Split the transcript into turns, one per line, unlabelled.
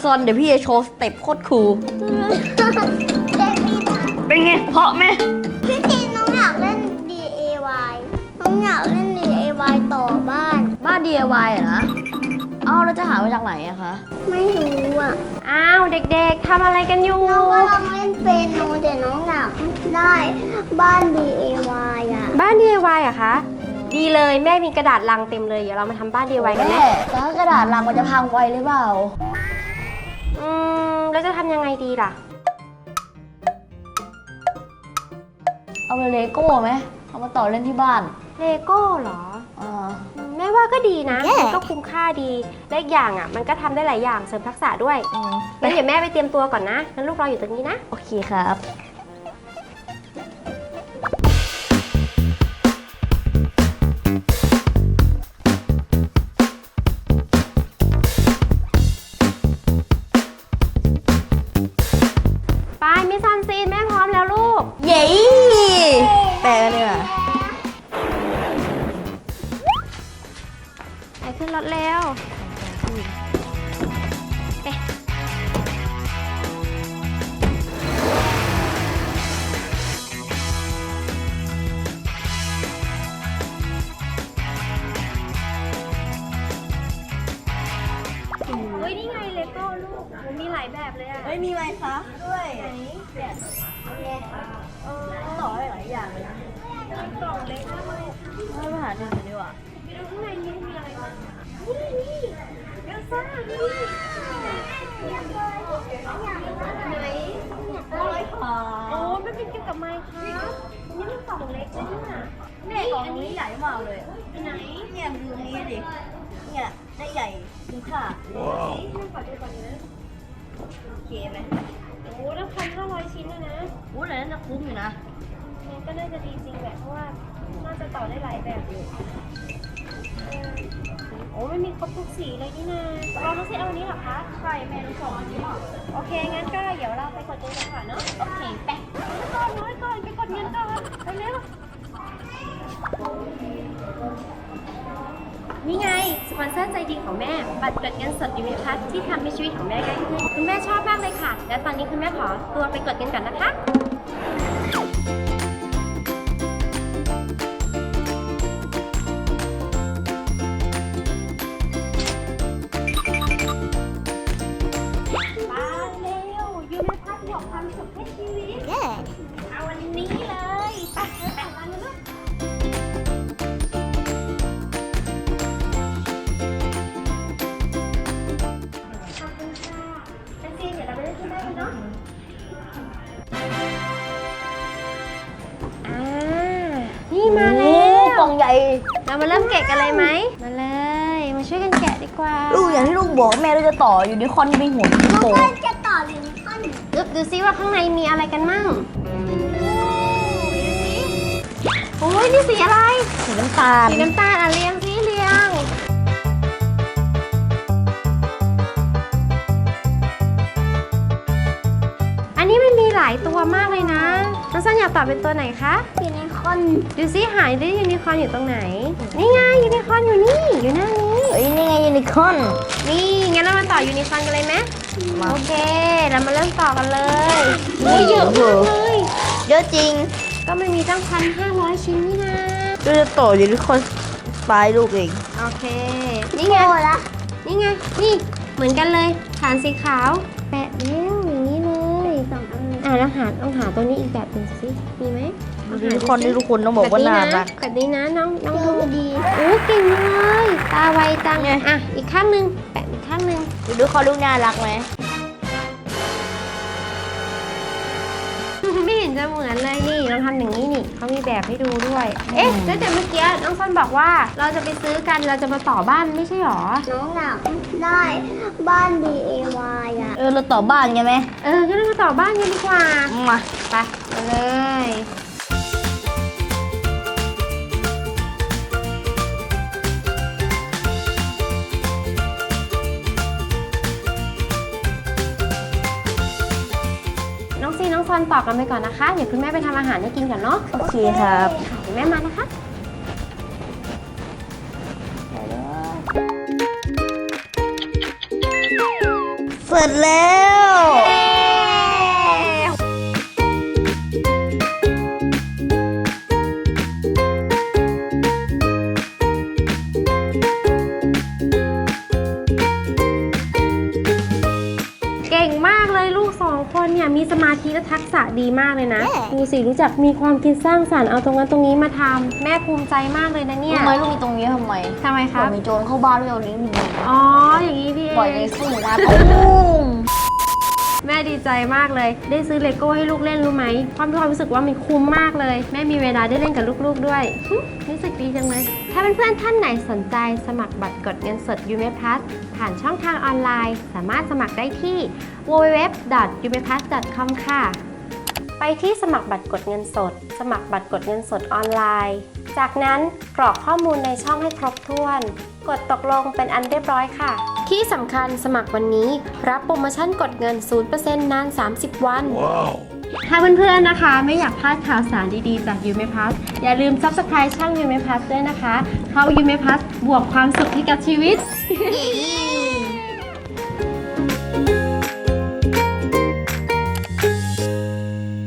ซอนเดี๋ยวพี่จะโชว์สเต็ปโคตรคูล เป็นไงเพราะไหม
พี่ทีน้องอยากเล่น DIY น้องอยากเล่น DIY ต่อบ้าน
DIY เหรอนะเอาแล้วจะหามาจากไหนอะคะ
ไม่รู้อ่ะ
อ้าวเด็กๆทำอะไรกันอยู่
น้องก็ลองเล่นเป็นโนแต่น้องอยากได้บ้าน DIY อ่ะ
บ้าน DIY อะคะ ดีเลยแม่มีกระดาษลังเต็มเลยเดี๋ยวเรามาทำบ้าน DIY กันไหม
แม่แต่ถ้ากระดาษลังมันจะพังไวหรือเปล่า
แล้วจะทำยังไงดีล่ะ
เอาไปเลโก้ไหมเอามาต่อเล่นที่บ้าน
เลโก้เหรอ แม่ว่าก็ดีนะมันก็คุ้มค่าดีและอีกอย่างอ่ะมันก็ทำได้หลายอย่างเสริมทักษะด้วยงั้นเดี๋ยวแม่ไปเตรียมตัวก่อนนะงั้นลูกรออยู่ตรงนี้นะ
โอเคครับ
ไปมิสซันซีนแม่พร้อมแล้วลูก
เย้แปลกันเลยอ่ะ
ไปขึ้นรถเร็วเอ๊ะเฮ้ยนี่ไงเลโก้ลูกมันมีหลายแบบเลยอะ
เฮ้ยมีไมค์ครับด้วยแบบต่อได้หลายอย่างเลยนะ
กล่องเล็กมากเลย
ให้มาหาดูหน่อยดีกว่า
ไปดูข้างในนี้มีอะไรบ้างนี่เอลซ่านี่ไหน โอ้ไม่เป็นเกี่ยวกับไมค์ครับนี่มันกล่องเล็กเลยเนี่ย
เนี่ยกล่องนี้ใหญ่มากเลย
ไหน
เนี่ยดูนี้ดิ เนี่ยได้ใหญ่คุ้มค่า
นี่ให้ขอดูก่อนนะ
โอเคไหม
โอ้แล้ว1,500 ชิ้นเลยนะ
โอ้แต่น่าจะคุ้มอยู่นะ
งั้นก็น่าจะดีจริงแหละเพราะว่าน่าจะต่อได้หลายแบบอยู่โอ้มันมีครบทุกสีเลยนี่นะเราต้องเซ็ตเอาอันนี้เหรอคะใช่แม่รู้สองอันนี้โอเคงั้นก็เดี๋ยวเราไปกดเงินกันก่อนเนาะโอเคไปน้อยก่อนไปกดเงินก่อนไปเร็ว นี่ไงสปอนเซอร์ใจดีของแม่บัตรกดเงินสดยูนิพัทที่ทำให้ชีวิตของแม่ง่ายขึ้นคุณแม่ชอบมากเลยค่ะ และตอนนี้คุณแม่ขอตัวไปกดเงินก่อนนะคะมาเร็วยูนิพัทบอกความสุขให้ชีวิตเอาวันนี้เลยไปแต่งกันนะลูกขอบคุณค่ะเป็นซีนเดี๋ยวเราไปเล่นที่บ้านกันเนาะนี่มาแล้
กล่
ว
องใหญ่
เรามาเริ่มแกะกันเลยไหมมาเลย มาช่วยกันแกะดีกว่า
ลูกอย่างที่ลูกบอกแม่เราจะต่ออยู่ในคอนที่เป็นหัวที่
น้อง
โต
ก็จะต่อลิงคอน
ดูซิว่าข้างในมีอะไรกันมั่งโอ้ยนี่สีอะไร
สีน้ำตาล
สีน้ำตาลอ่ะเรียงสิเรียง อันนี้มันมีหลายตัวมากเลยนะน้องซันอยากตอบเป็นตัวไหนคะ
ยูนิคอร์น
ดูซิหายได้ยูนิคอร์นอยู่ตรงไหน นี่ไงยูนิคอร์นอยู่นี่ อยู่หน้านี้
เอ้ยนี่ไงยูนิคอร์น
นี่งั้นเรามาต่อยูนิคอร์นกันเลยไหมโอเค เรามาเริ่มต่อกันเลยนี่เยอะมากเลย
เยอะจริง
ก็มันมีตั้ง1,500 ชิ้นนี่นะ
เราจะต่อยูนิคอร์นปลายลูกเอง
โอเค นี่ไง
โอ้ละ
นี่ไง นี่เหมือนกันเลยฐานสีขาว แปะเร็วอย่างนี้เลยลองหาตัวนี้อีกแบบหนึ่งสิ มีไหม
ยูนิคอร์นที่ทุกคนต้องบอกว่าน่ารัก
แบบนี้นะน้อง
เจ
ดู
อดี
โอ้เก่งเลย ตาไวจังอ่ะ อีกข้างหนึง แปะอีกข้างหนึง
ยูนิคอร์นลูกน่ารักไหม
ไม่เห็นจะเหมือนเลยนี่เราทำอย่างนี้นี่เขามีแบบให้ดูด้วย เอ๊ะแล้วแต่เมื่อกี้น้องซันบอกว่าเราจะไปซื้อกันเราจะมาต่อบ้านไม่ใช่หรอ
น้องอยากได้บ้าน DIY อ่ะ
เราต่อบ้านไงไหม
งั้นเรามาต่อบ้านกันดีกว่า
มา
ไปมาเลย น้องซีน้องซอนต่อกันไปก่อนนะคะ เดี๋ยวคุณแม่ไปทำอาหารให้กินก่อนเนาะ
โอเคครับ
ค่ะเดี๋ยวแม่มานะคะ
เสร็ร็จแล้ว
เก่งมากเลยลูก2 คนเนี่ยมีสมาธิและทักษะดีมากเลยนะ ดูสิรู้จักมีความคิดสร้างสรรค์เอาตรงนั้นตรงนี้มาทำแม่ภูมิใจมากเลยนะเนี่ย
รู้ไหมลูกมีตรงนี้ทำไม
ทำไม
ป
ค
ล่
รั
อบ ยมีโจรเข้าบ้านด้วยเอาลิ้นหนี
อ๋ออย่างนี้พี่เอ
ปล่อยใน
ง
สู้มาตุ้ม
แม่ดีใจมากเลยได้ซื้อเลโก้ให้ลูกเล่นรู้ไหมความมีความรู้สึกว่ามันคุ้มมากเลยแม่มีเวลาได้เล่นกับลูกๆด้วยรู้สึกดีจังเลยถ้าเพื่อนๆท่านไหนสนใจสมัครบัตรกดเงินสด UMPlus ผ่านช่องทางออนไลน์สามารถสมัครได้ที่ www.umplus.com ค่ะไปที่สมัครบัตรกดเงินสดสมัครบัตรกดเงินสดออนไลน์จากนั้นกรอกข้อมูลในช่องให้ครบถ้วนกดตกลงเป็นอันเรียบร้อยค่ะที่สำคัญสมัครวันนี้รับโปรโมชั่นกดเงิน 0% นาน 30 วัน ถ้าเพื่อนๆนะคะไม่อยากพลาดข่าวสารดีๆจาก UMPlus อย่าลืม Subscribe ช่อง UMPlus ด้วยนะคะเพราะ UMPlus บวกความสุขให้กับชีวิต